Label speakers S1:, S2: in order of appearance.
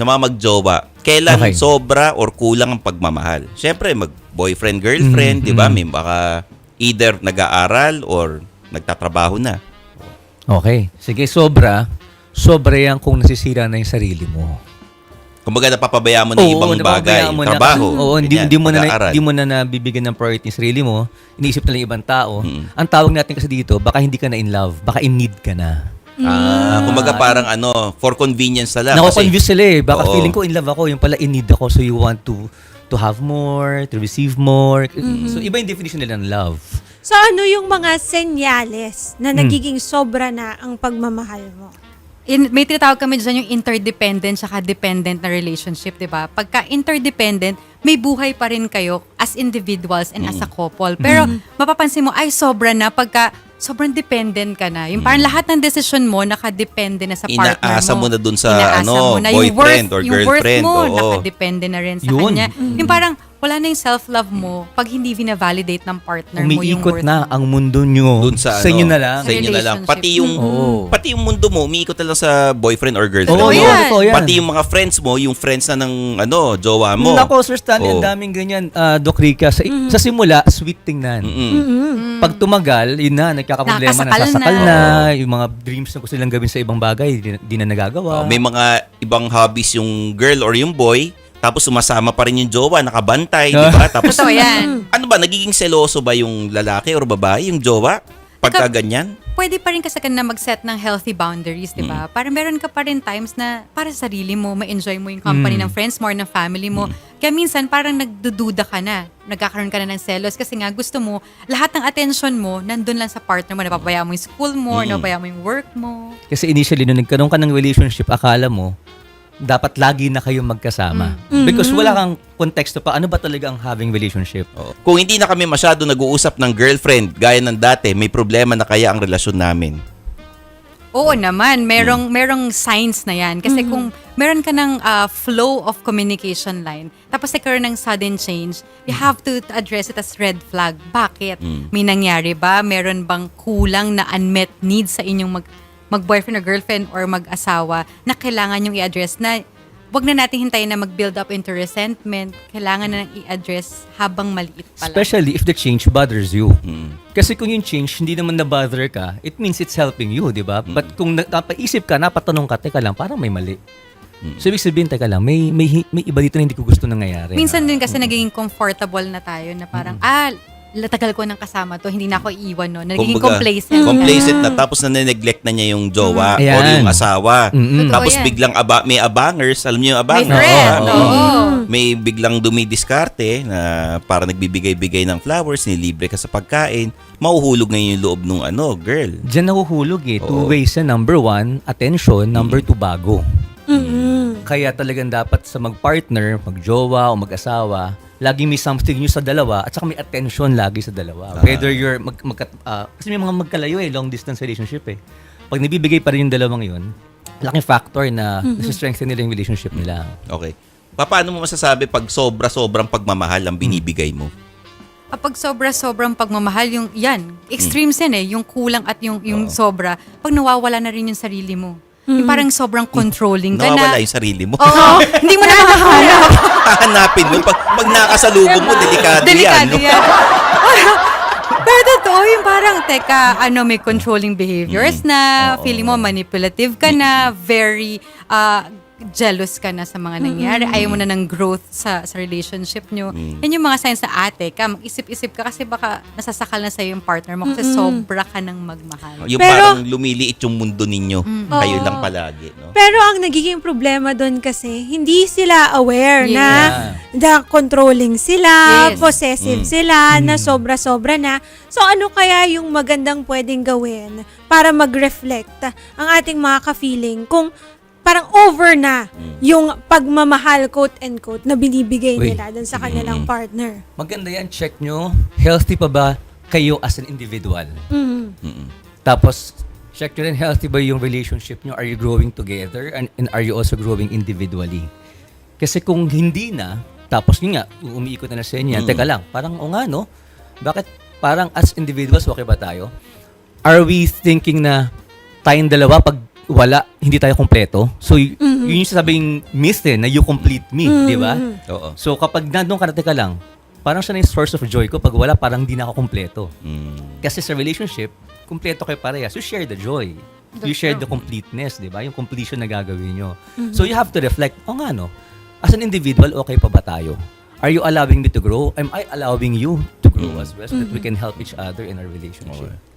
S1: sa mga magjowa, kailan
S2: Okay.
S1: sobra or kulang ang pagmamahal? Siyempre, mag-boyfriend, girlfriend, di ba? May baka either nag-aaral or nagtatrabaho na.
S2: Okay. Sige, sobra yan kung nasisira na yung sarili mo.
S1: Kumbaga, napapabayaan mo na yung ibang bagay,
S2: napapabayaan mo
S1: trabaho,
S2: hindi
S1: pag-aaral.
S2: mo na nabibigyan ng priority yung sarili mo. Iniisip na lang yung ibang tao. Ang tawag natin kasi dito, baka hindi ka na in love, baka in need ka na.
S1: Kumbaga parang for convenience na lang.
S2: Nako-confuse sila eh. Baka
S1: Oo.
S2: feeling ko in love ako, yung pala in need ako, so you want to have more, to receive more. So iba yung definition nila ng love.
S3: So ano yung mga senyales na nagiging sobra na ang pagmamahal mo?
S4: May tinatawag kami dyan yung interdependent saka dependent na relationship, di ba? Pagka interdependent, may buhay pa rin kayo as individuals and as a couple. Pero mapapansin mo, ay sobra na pagka sobrang dependent ka na. Yung parang lahat ng decision mo, nakadepende na sa partner mo.
S1: Inaasa mo na dun sa
S4: Inaasa mo na yung
S1: boyfriend or
S4: yung worth
S1: girlfriend.
S4: mo,
S1: Oo.
S4: nakadepende na rin sa
S2: Yun.
S4: kanya. Yung parang wala na yung self-love mo pag hindi vina-validate ng partner mo yung
S2: Umiikot
S4: worth
S2: na
S4: mo.
S2: ang mundo nyo
S1: Dun sa
S2: inyo na lang.
S1: Sa inyo na lang.
S4: Relationship.
S1: Pati yung mundo mo, umiikot na lang sa boyfriend or girlfriend.
S2: Oo,
S4: Totoo
S1: mo.
S4: yan.
S2: totoo yan.
S1: Pati yung mga friends mo, yung friends na ng jowa mo.
S2: Nako, Sir Stanley,
S1: Oo.
S2: ang daming ganyan, Doc Rica. Sa simula, sweet tingnan. Pag tumagal, yun na, nagkakaproblema,
S4: Nakasakal
S2: nasasakal
S4: na.
S2: na. Yung mga dreams na gusto nilang gawin sa ibang bagay, di na nagagawa.
S1: May mga ibang hobbies yung girl or yung boy, tapos sumasama pa rin yung jowa, nakabantay, di ba? Tapos,
S4: Totoo yan.
S1: ano ba, nagiging seloso ba yung lalaki or babae, yung jowa? Pagka ganyan?
S4: Pwede pa rin kasi na mag-set ng healthy boundaries, di ba? Para meron ka pa rin times na para sa sarili mo, ma-enjoy mo yung company ng friends mo or ng family mo. Kaya minsan parang nagdududa ka na, nagkakaroon ka na ng selos kasi nga gusto mo, lahat ng attention mo nandun lang sa partner mo, napapabayaan mo yung school mo, napapabayaan mo yung work mo.
S2: Kasi initially, nung nagkaroon ka ng relationship, akala mo, dapat lagi na kayong magkasama. Because wala kang konteksto pa, ano ba talaga ang having relationship?
S1: Oo. Kung hindi na kami masyado nag-uusap ng girlfriend, gaya ng dati, may problema na kaya ang relasyon namin.
S4: Oo naman, merong signs na yan. Kasi kung meron ka ng flow of communication line, tapos nagkaroon ng sudden change, you have to address it as red flag. Bakit? May nangyari ba? Meron bang kulang na unmet needs sa inyong mag-boyfriend or girlfriend or mag-asawa na kailangan yung i-address na wag na natin hintayin na mag-build up into resentment. Kailangan na i-address habang maliit pa lang.
S2: Especially if the change bothers you. Kasi kung yung change hindi naman na-bother ka, it means it's helping you, di ba? But kung napaisip ka, napatanong ka, teka lang, parang may mali. So, ibig sabihin, teka lang, may iba dito na hindi ko gusto nangyayari.
S4: Minsan din kasi nagiging comfortable na tayo na parang, tagal ko nang kasama to, hindi na ako iiwan, no? Nagiging
S1: Kumbaga,
S4: complacent.
S1: complacent na, tapos na-neglect na niya yung jowa
S2: Ayan.
S1: or yung asawa.
S4: Totoo
S1: Tapos
S4: yan.
S1: biglang may abangers, alam niyo yung
S4: May
S1: abangers?
S4: friend,
S1: May-
S4: oo.
S1: May biglang dumidiskarte na para nagbibigay-bigay ng flowers, nilibre ka sa pagkain, mahuhulog ngayon yung loob nung girl.
S2: Diyan nahuhulog eh. Two
S1: Oo.
S2: ways yan. Number one, attention. Number two, bago. Kaya talagang dapat sa mag-partner, mag-jowa o mag-asawa, laging may something nyo sa dalawa at saka may attention lagi sa dalawa. Whether you're, kasi may mga magkalayo long distance relationship eh. Pag nabibigay pa rin yung dalawang yun, laking factor na nasa-strengthen nila yung relationship nila.
S1: Okay. Paano mo masasabi pag sobra-sobrang pagmamahal ang binibigay mo?
S4: Kapag sobra-sobrang pagmamahal, extremes yan eh, yung kulang at yung sobra, pag nawawala na rin yung sarili mo. Yung parang sobrang controlling ka
S1: Nawawala
S4: na.
S1: yung sarili mo.
S4: Oo, hindi mo na makahanap.
S1: Hahanapin mo. Pag nakasalubong mo, delikado yan.
S4: Delikado
S1: No?
S4: yan. Pero totoo yung parang, may controlling behaviors na, feeling mo manipulative ka na, very jealous ka na sa mga nangyari, ayaw mo na ng growth sa relationship nyo. Yan yung mga signs na mag-isip-isip ka kasi baka nasasakal na sa'yo yung partner mo kasi sobra ka ng magmahal.
S1: Yung
S3: Pero-
S1: parang lumiliit yung mundo ninyo. Kayo lang palagi. No?
S3: Pero ang nagiging problema doon kasi, hindi sila aware
S4: Yes.
S3: na controlling sila,
S4: Yes.
S3: possessive sila, na sobra-sobra na. So ano kaya yung magandang pwedeng gawin para mag-reflect ang ating mga ka-feeling kung parang over na yung pagmamahal, quote-unquote, na binibigay
S2: Uy.
S3: nila dun sa kanilang partner.
S2: Maganda yan, check nyo, healthy pa ba kayo as an individual?
S3: Mhm.
S2: Tapos, check nyo rin, healthy ba yung relationship nyo? Are you growing together? And are you also growing individually? Kasi kung hindi na, tapos yun nga, umiikot na sa inyo, teka lang, parang, o nga no, bakit parang as individuals, okay ba tayo? Are we thinking na tayong dalawa, pag hindi tayo kompleto. So, yun yung sabing myth na you complete me, di ba?
S1: Oo.
S2: So, kapag nandun ka lang, parang siya na yung source of joy ko. Pag wala, parang di na ako kompleto. Kasi sa relationship, kompleto kayo parehas. You share the joy. You share the completeness, di ba? Yung completion na gagawin nyo. So, you have to reflect, nga no, as an individual, okay pa ba tayo? Are you allowing me to grow? Am I allowing you to grow as well so that we can help each other in our relationship?
S1: Okay.